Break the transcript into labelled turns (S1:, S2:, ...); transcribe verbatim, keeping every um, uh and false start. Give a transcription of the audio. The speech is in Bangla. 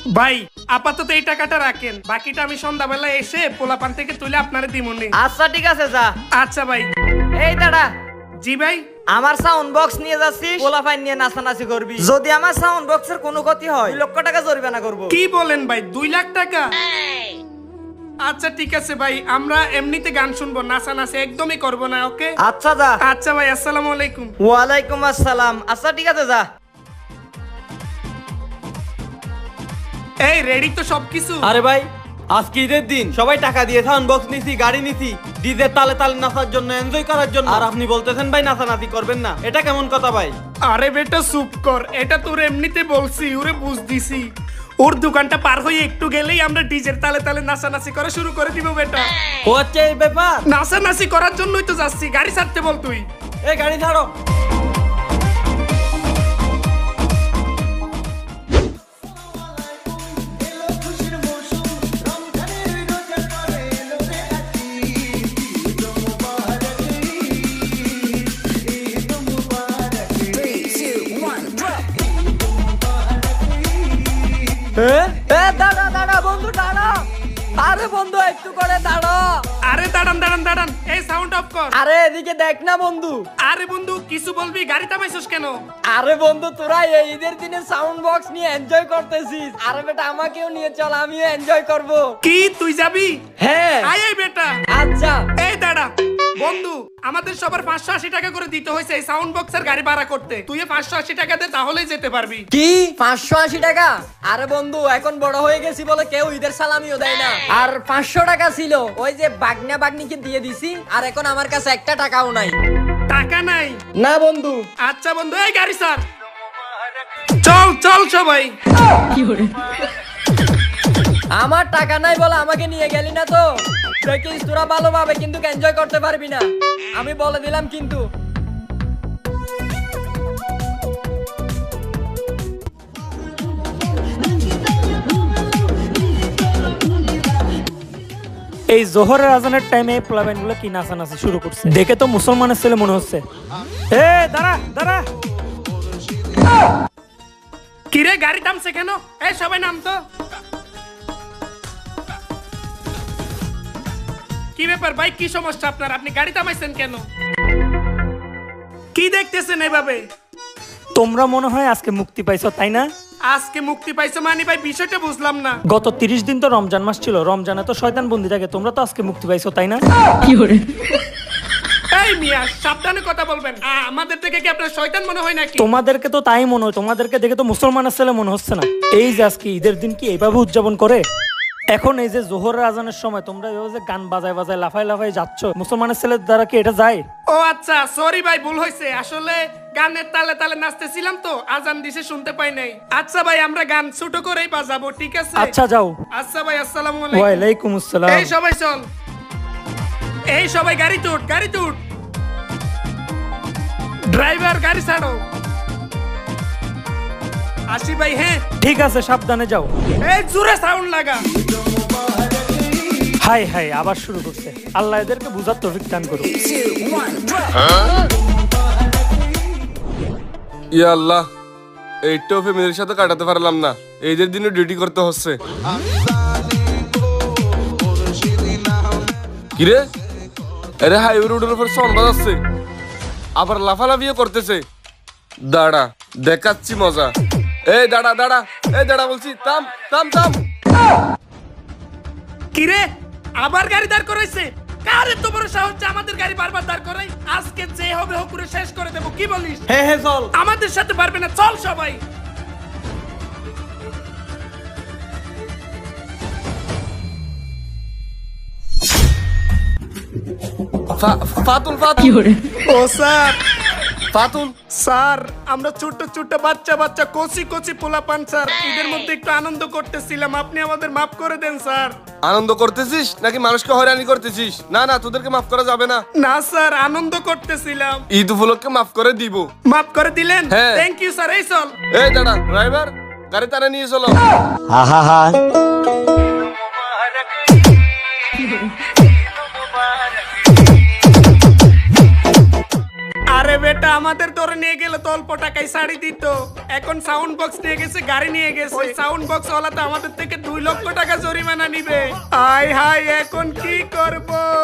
S1: ভাই আপাতত এই টাকাটা রাখেন, বাকিটা আমি সন্ধ্যাবেলা এসে পোলাপান থেকে তুলে আপনারে দিমুনি।
S2: আচ্ছা ঠিক আছে যা।
S1: আচ্ছা ভাই।
S2: এই দাঁড়া,
S1: জি ভাই।
S2: আমার সাউন্ড বক্স নিয়ে যাচ্ছিস, পোলাপাইন নিয়ে নাচানাচি করবি। যদি আমার সাউন্ড বক্সের কোনো ক্ষতি হয় দুই লক্ষ টাকা জরিমানা করব।
S1: কি বলেন ভাই, দুই লাখ টাকা? আচ্ছা ঠিক আছে ভাই, আমরা এমনিতে গান শুনবো, নাচানাচি একদমই করব না। ওকে
S2: আচ্ছা যা।
S1: আচ্ছা ভাই, আসসালামু আলাইকুম।
S2: ওয়ালাইকুম আসসালাম। আচ্ছা ঠিক আছে যা।
S1: এই রেডি তো সবকিছু?
S3: আরে ভাই আজকে ঈদের দিন, সবাই টাকা দিয়ে সাউন্ড বক্স নিছি, গাড়ি নিছি, ডিজে তালে তালে নাচার জন্য, এনজয় করার জন্য। আর আপনি বলতেছেন ভাই নাচানাচি করবেন না, এটা কেমন কথা ভাই?
S1: আরে বেটা চুপ কর, এটা তোর এমনিতে বলছি, ওরে বুঝ দিছি। ওর দোকানটা পার হয়ে একটু গেলেই আমরা ডিজের তালে তালে নাচানাচি করা শুরু করে দিব বেটা।
S3: ও আচ্ছা এই ব্যাপার।
S1: নাচানাচি করার জন্যই তো যাচ্ছি, গাড়ি ছাড়তে বল তুই।
S3: এই গাড়ি ছাড়ো।
S2: দাঁড়া দাঁড়া বন্ধু দাঁড়া। আরে বন্ধু একটু করে দাঁড়া।
S1: আরে দাঁড়ান দাঁড়ান দাঁড়ান, এই সাউন্ড অফ কর।
S2: আরে এদিকে দেখ না বন্ধু।
S1: আরে বন্ধু কিছু বলবি, গাড়ি থামাইছিস কেন?
S2: আরে বন্ধু তোরা এই ঈদের দিনে সাউন্ড বক্স নিয়ে এনজয় করতেছিস, আরে বেটা আমাকেও নিয়ে চল, আমিও এনজয় করব।
S1: কি তুই যাবি?
S2: হ্যাঁ
S1: আয় আয় বেটা।
S2: আচ্ছা।
S1: এই দাঁড়া বন্ধু, আমাদের সবার পাঁচশো আশি টাকা করে দিতে হয়েছে এই সাউন্ড বক্সের গাড়ি ভাড়া করতে। তুই পাঁচশো আশি টাকা দে, তাহলেই যেতে পারবি।
S2: কি পাঁচশো আশি টাকা? আরে বন্ধু এখন বড় হয়ে গেছি বলে কেউ ঈদের সালামিও দেয় না। আর পাঁচশো টাকা ছিল ওই যে বাগনা বাগনিকে দিয়ে দিছি, আর এখন আমার কাছে একটা টাকাও নাই।
S1: টাকা নাই?
S2: না বন্ধু।
S1: আচ্ছা বন্ধু, এই গাড়ি স্যার, চল চল সবাই।
S2: আমার টাকা নাই বলে আমাকে নিয়ে গেলি না তো, দেখিস তোরা ভালোভাবে কিন্তু এনজয় করতে পারবি না, আমি বলে দিলাম কিন্তু।
S4: এই জোহরের আজানের টাইমে প্লাবেন গুলো কি নাচানাচি শুরু করছে, দেখে তো মুসলমানের ছেলে মনে হচ্ছে। এ দাঁড়া দাঁড়া।
S1: কিরে গাড়ি থামছে কেন? এই সবাই নাম তো। কি ব্যাপার ভাই, কি সমস্যা আপনার? আপনি গাড়ি থামাইছেন কেন? কি দেখতেছেন এভাবে?
S4: তোমরা মনে হয় আজকে মুক্তি পাইছো তাই না?
S1: আজকে মুক্তি পাইছো মানে ভাই, বিষয়টা বুঝলাম না।
S4: গত তিরিশ দিন তো রমজান মাস ছিল, রমজানে তো শয়তান বন্দি থাকে, তোমরা তো আজকে মুক্তি পাইছো তাই না?
S1: এই মিয়া সাবধানে কথা বলবেন, আ, আমাদের থেকে কি আপনার শয়তান মনে হয় নাকি?
S4: তোমাদেরকে তো তাই মনে হয়, তোমাদেরকে দেখে তো মুসলমানের ছেলে মনে হচ্ছে না। এই যে আজকে ঈদের দিন কি এইভাবে উদযাপন করে? এখন এই যে জোহরের আজানের সময় তোমরা এভাবে যে গান বাজায় বাজায় লাফাই লাফাই যাচ্ছ, মুসলমানের ছেলের দ্বারা কি এটা যায়?
S1: ও আচ্ছা সরি ভাই, ভুল হয়েছে। আসলে গানের তালে তালে নাচতেছিলাম তো, আজান দিছে শুনতে পাই নাই। আচ্ছা ভাই, আমরা গান ছোট করেই বাজাবো, ঠিক আছে?
S4: আচ্ছা যাও।
S1: আচ্ছা ভাই, আসসালামু আলাইকুম।
S4: ওয়ালাইকুম আসসালাম।
S1: এই সবাই চল, এই সবাই গাড়ি তুট, গাড়ি তুট। ড্রাইভার গাড়ি ছাড়ো। আসি ভাই। হ্যাঁ
S4: ঠিক আছে, সাবধানে যাও।
S1: এই জোরে সাউন্ড লাগা।
S4: হাই হাই আবার শুরু করছে। আল্লাহ এদেরকে বুঝার তৌফিক দান করুন।
S5: ইয়া আল্লাহ, এইটাও ফ্যামিলির সাথে কাটাতে পারলাম না, এইদের দিনে ডিউটি করতে হচ্ছে। কিরে আরে হাইওয়ে রোডের উপর সন বাজাচ্ছে, আবার লাফালাফিও করতেছে। দাঁড়া দেখাচ্ছি মজা। এই দাঁড়া দাঁড়া, এই দাঁড়া বলছি, থাম থাম থাম।
S1: কিরে আবার গাড়ি দাঁড় করাইছে? কারে তো বড় সাহস যে আমাদের গাড়ি বারবার দাঁড় করাই? আজকে যে হবে হোক করে শেষ করে দেবো, কি বলিস?
S3: হ্যাঁ হ্যাঁ চল।
S1: আমাদের সাথে পারবে না, চল সবাই।
S5: ফা- ফাতুল ফাতুল
S1: ও স্যার,
S5: ফাতুল
S1: স্যার আমরা ছোট ছোট বাচ্চা বাচ্চা কচি কচি পোলাপান স্যার, ঈদের মধ্যে একটু আনন্দ করতেছিলাম, আপনি আমাদের মাফ করে দেন স্যার।
S5: আনন্দ করতেছিস নাকি মানুষকে হয়রানি করতেছিস? না না, তোদেরকে মাফ করা যাবে না।
S1: না স্যার, আনন্দ করতেছিলাম।
S5: ঈদ উপলক্ষে মাফ করে দিব।
S1: মাফ করে দিলেন?
S5: হ্যাঁ।
S1: Thank you sir. এই চল।
S5: এই দাঁড়া ড্রাইভার, গাড়ি তারা নিয়ে চলো।
S1: আর আরে বেটা আমাদের ধরে নিয়ে গেলে তো অল্প টাকায় শাড়ি দিত, এখন সাউন্ড বক্স নিয়ে গেছে, গাড়ি নিয়ে গেছে, ওই সাউন্ড বক্স ওয়ালা তো আমাদের থেকে দুই লক্ষ টাকা জরিমানা নিবে। হাই হাই এখন কি করব?